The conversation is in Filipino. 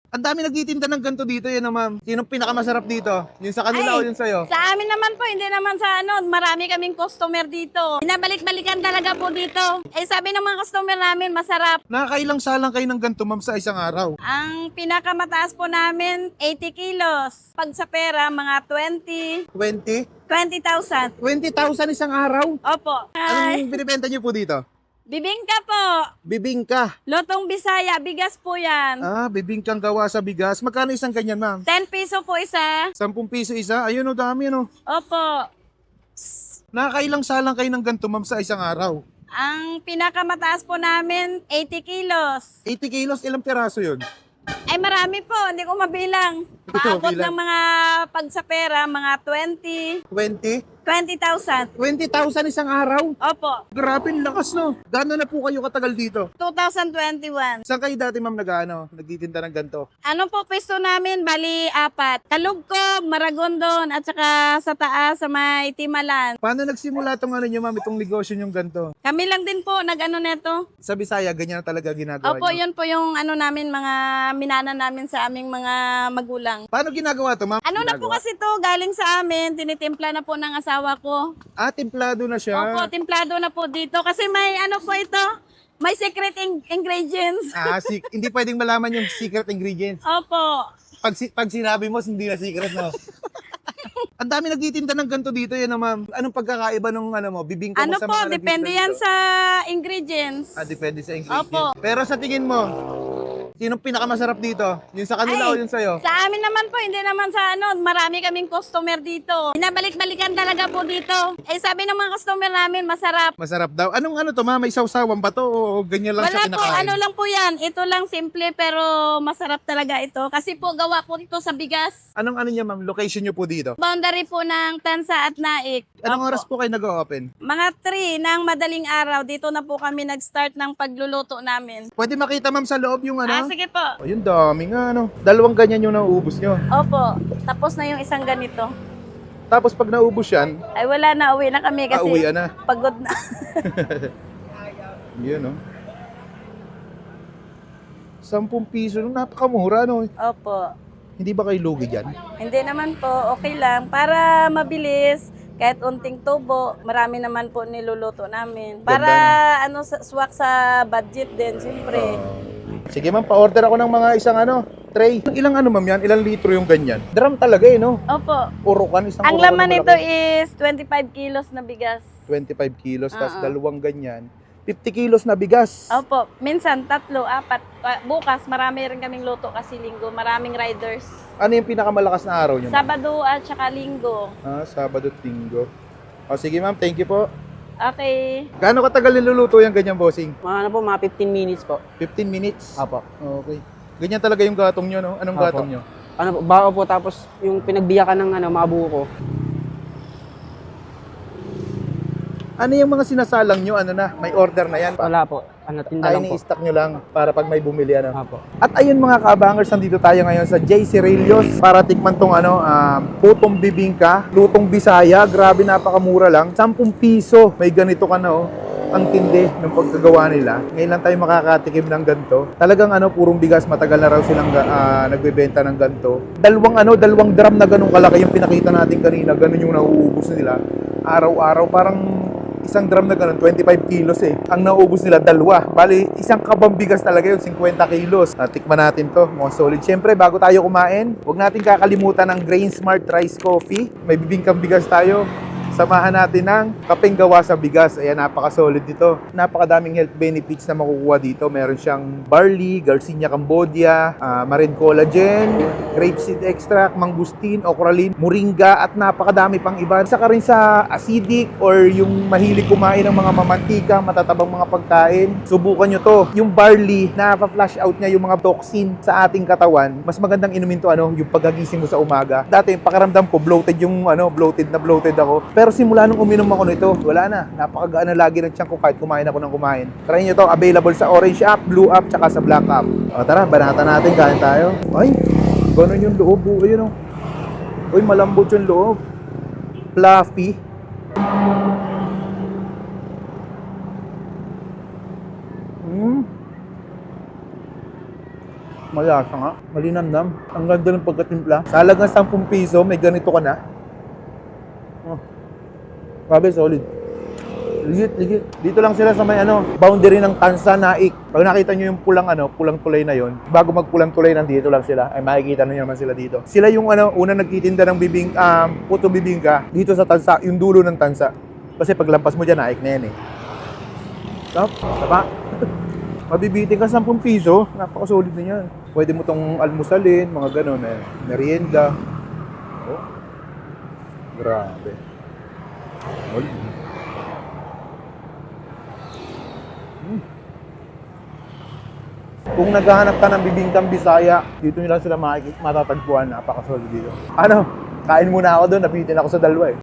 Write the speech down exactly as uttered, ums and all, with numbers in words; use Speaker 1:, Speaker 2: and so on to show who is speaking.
Speaker 1: Ang dami nagtitinda ng ganito dito, yun, ma'am. Sinong pinakamasarap dito? Yung sa kanila o
Speaker 2: Ay,
Speaker 1: yung sa'yo?
Speaker 2: sa amin naman po, hindi naman sa ano, marami kaming customer dito. Binabalik-balikan talaga po dito. Eh sabi ng mga customer namin, masarap.
Speaker 1: Nakakailang salang kayo ng ganito, ma'am, sa isang araw?
Speaker 2: Ang pinakamataas po namin, eighty kilos. Pag sa pera, mga twenty,
Speaker 1: twenty?
Speaker 2: twenty thousand.
Speaker 1: twenty thousand isang araw?
Speaker 2: Opo. Ay,
Speaker 1: Anong binibenta niyo po dito?
Speaker 2: bibingka po.
Speaker 1: Bibingka.
Speaker 2: Lotong Bisaya, bigas po yan.
Speaker 1: Ah, bibingkang gawa sa bigas. Magkano isang ganyan, ma'am?
Speaker 2: ten piso po isa.
Speaker 1: Sampung piso isa? Ayun, o dami, ano?
Speaker 2: Opo.
Speaker 1: Nakakailang salang kayo ng ganito, ma'am, sa isang araw?
Speaker 2: Ang pinakamataas po namin, eighty kilos.
Speaker 1: eighty kilos, ilang piraso yun?
Speaker 2: Ay marami po, hindi ko mabilang. Maabot
Speaker 1: Mabilang.
Speaker 2: ng mga pag sa pera, mga twenty,
Speaker 1: twenty?
Speaker 2: twenty thousand.
Speaker 1: twenty thousand isang araw?
Speaker 2: Opo,
Speaker 1: Grabe, ang lakas, no? Gano'n na po kayo katagal dito?
Speaker 2: two thousand twenty-one.
Speaker 1: Saan kayo dati, ma'am, nag-ano, nagtitinda ng ganito?
Speaker 2: Ano po pwesto namin? Bali, apat. Kalugkob, Maragondon, at saka sa taas, sa may Timalan.
Speaker 1: Paano nagsimula itong ano nyo, ma'am, itong negosyo nyong ganito?
Speaker 2: Kami lang din po, nag-ano neto.
Speaker 1: Sa Bisaya, ganyan na talaga ginagawa
Speaker 2: Opo,
Speaker 1: nyo?
Speaker 2: yun po yung ano namin, mga minana namin sa aming mga magulang.
Speaker 1: Paano ginagawa to, ma'am?
Speaker 2: Ano na po
Speaker 1: Ginagawa?
Speaker 2: kasi to, galing sa amin, tinitimpla na po ng asawa ko.
Speaker 1: Ah, templado na siya.
Speaker 2: Opo, timplado na po dito. Kasi may ano po ito, may secret in- ingredients.
Speaker 1: Ah, si- hindi pwedeng malaman yung secret ingredients.
Speaker 2: Opo.
Speaker 1: Pag, si- pag sinabi mo, hindi na secret, no? Ang dami nagtitinda ng ganito dito, yan, ma'am. Anong pagkakaiba nung ano mo, bibingka mo
Speaker 2: Ano
Speaker 1: sa
Speaker 2: po,
Speaker 1: mga
Speaker 2: depende
Speaker 1: nagtitinda
Speaker 2: yan
Speaker 1: dito?
Speaker 2: sa ingredients.
Speaker 1: Ah, depende sa ingredients.
Speaker 2: Opo.
Speaker 1: Pero sa tingin mo, sinong pinakamasarap dito? Yung sa kanila
Speaker 2: Ay,
Speaker 1: o yung sa'yo?
Speaker 2: Sa amin naman po, hindi naman sa ano, marami kaming customer dito. Binabalik-balikan talaga po dito. Eh sabi ng mga customer namin, masarap.
Speaker 1: Masarap daw. Anong ano to, ma'am? May sausawan ba to o ganyan lang
Speaker 2: Wala
Speaker 1: siya
Speaker 2: po,
Speaker 1: kinakain?
Speaker 2: ano lang po yan. Ito lang simple pero masarap talaga ito. Kasi po gawa po ito sa bigas.
Speaker 1: Anong ano niya, ma'am? Location niyo po dito?
Speaker 2: Boundary po ng Tansa at Naik.
Speaker 1: Anong
Speaker 2: Opo.
Speaker 1: oras po kayo nag-open?
Speaker 2: Mga three ng madaling araw, dito na po kami nag-start ng pagluluto namin.
Speaker 1: Pwede makita, ma'am, sa loob yung
Speaker 2: Ah,
Speaker 1: ano?
Speaker 2: sige po.
Speaker 1: Oh, yung dami nga, ano. Dalawang ganyan yung nauubos nyo.
Speaker 2: Opo, tapos na yung isang ganito.
Speaker 1: Tapos pag naubos yan,
Speaker 2: Ay wala na, uwi na kami kasi
Speaker 1: auwian na.
Speaker 2: pagod na.
Speaker 1: Yun, no? Sampung piso, no? Napakamura, no?
Speaker 2: Opo.
Speaker 1: Hindi ba kayo lugi dyan?
Speaker 2: Hindi naman po, okay lang. Para mabilis, kahit unting tubo, marami naman po niluluto namin. Para ano, sa- swak sa budget din, siyempre.
Speaker 1: Sige, ma'am, pa-order ako ng mga isang ano, tray. Ilang ano, ma'am, yan? Ilang litro yung ganyan? Drum talaga, eh, no?
Speaker 2: Opo.
Speaker 1: Urukan, isang
Speaker 2: Ang
Speaker 1: urukan
Speaker 2: laman
Speaker 1: na
Speaker 2: nito
Speaker 1: malaki.
Speaker 2: is twenty-five kilos na bigas.
Speaker 1: twenty-five kilos, tapos
Speaker 2: Oo.
Speaker 1: dalawang ganyan. fifty kilos na bigas.
Speaker 2: Opo, minsan tatlo, apat. Ah, Bukas, marami rin kaming luto kasi linggo. Maraming riders.
Speaker 1: Ano yung pinakamalakas na araw nyo? ma'am?
Speaker 2: Sabado at saka linggo.
Speaker 1: Ah, Sabado at Linggo. O, sige, ma'am, thank you po.
Speaker 2: Okay.
Speaker 1: Gaano katagal niluluto yung ganyan, bossing?
Speaker 3: Mga ano po, mga fifteen minutes po.
Speaker 1: fifteen minutes?
Speaker 3: Apo.
Speaker 1: Okay. Ganyan talaga yung gatong nyo, no? Anong
Speaker 3: Apo.
Speaker 1: gatong nyo?
Speaker 3: Ano po, bao po, tapos yung pinagbiyakan ng ano, mga buko.
Speaker 1: Ano yung mga sinasalang nyo? Ano na? May order na yan?
Speaker 3: Wala po. Ano, tinda
Speaker 1: Ay,
Speaker 3: lang po.
Speaker 1: ni-stock nyo lang para pag may bumili, ano?
Speaker 3: Apo.
Speaker 1: At ayun mga kabangers, nandito tayo ngayon sa J C Relios para tikman tong ano, um, putong bibingka, lutong Bisaya. Grabe, napakamura lang. Sampung piso. May ganito ka na, oh. Ang tindi ng pagkagawa nila. Ngayon lang tayo makakatikim ng ganito. Talagang ano, purong bigas, matagal na raw silang uh, nagbebenta ng ganito. Dalawang ano, dalawang drum na ganun kalaki yung pinakita natin kanina. Ganun yung nauubos nila. Araw-araw, parang isang drum na ganun, twenty-five kilos eh. Ang nauubos nila, dalawa. Bali, isang kabang bigas talaga yun, fifty kilos. Natikman natin to, mga solid. Siyempre, bago tayo kumain, huwag natin kakalimutan ng Grain Smart Rice Coffee. May bibingkang bigas tayo. Samahan natin ng kapeng gawa sa bigas. Ayan, napaka-solid dito. Napakadaming health benefits na makukuha dito. Meron siyang barley, Garcinia Cambodia, uh, marine collagen, grapeseed extract, mangustin, okralin, moringa, at napakadami pang iba. Saka rin sa acidic or yung mahilig kumain ng mga mamantika, matatabang mga pagkain. Subukan nyo to. Yung barley, na-flash out niya yung mga toxin sa ating katawan. Mas magandang inumin to, ano, yung pagkagising mo sa umaga. Dati, pakiramdam ko, bloated yung, ano, bloated na bloated ako. Pero simula nung uminom ako nito, wala na. Napakagaan na lagi ng tiyan ko kahit kumain ako ng kumain. Try nyo to, available sa Orange app, Blue app, tsaka sa Black app. O tara, banatan natin, kain tayo. Ay, ganun yung loob. Oh, ayun, oh. Uy, malambot yung loob. Fluffy. Mm. Malasa nga. Malinamnam. Ang ganda ng pagkatimpla. Sa halagang sampung piso, may ganito ka na. Oh. Grabe, solid. Ligit, ligit. Dito lang sila sa may ano, boundary ng Tansa, Naik. Pag nakita nyo yung pulang ano, pulang tulay na yon, bago magpulang tulay, nandito lang sila. Ay makikita nyo naman sila dito. Sila yung ano, una nagtitinda ng bibing, um, putong bibingka dito sa Tansa, yung dulo ng Tansa. Kasi paglampas mo dyan, Naik na yan eh. Stop, taba. Mabibiting ka sampung piso, napakasolid na yan. Pwede mo tong almusalin, mga ganun eh. Merienda. Oh. Grabe. Solid. Hmm. Kung naghahanap ka ng bibingkang Bisaya, dito nyo lang sila makik- matatagpuan. Napakasolid dito. Ano? Kain muna ako doon, napitin ako sa dalawa eh.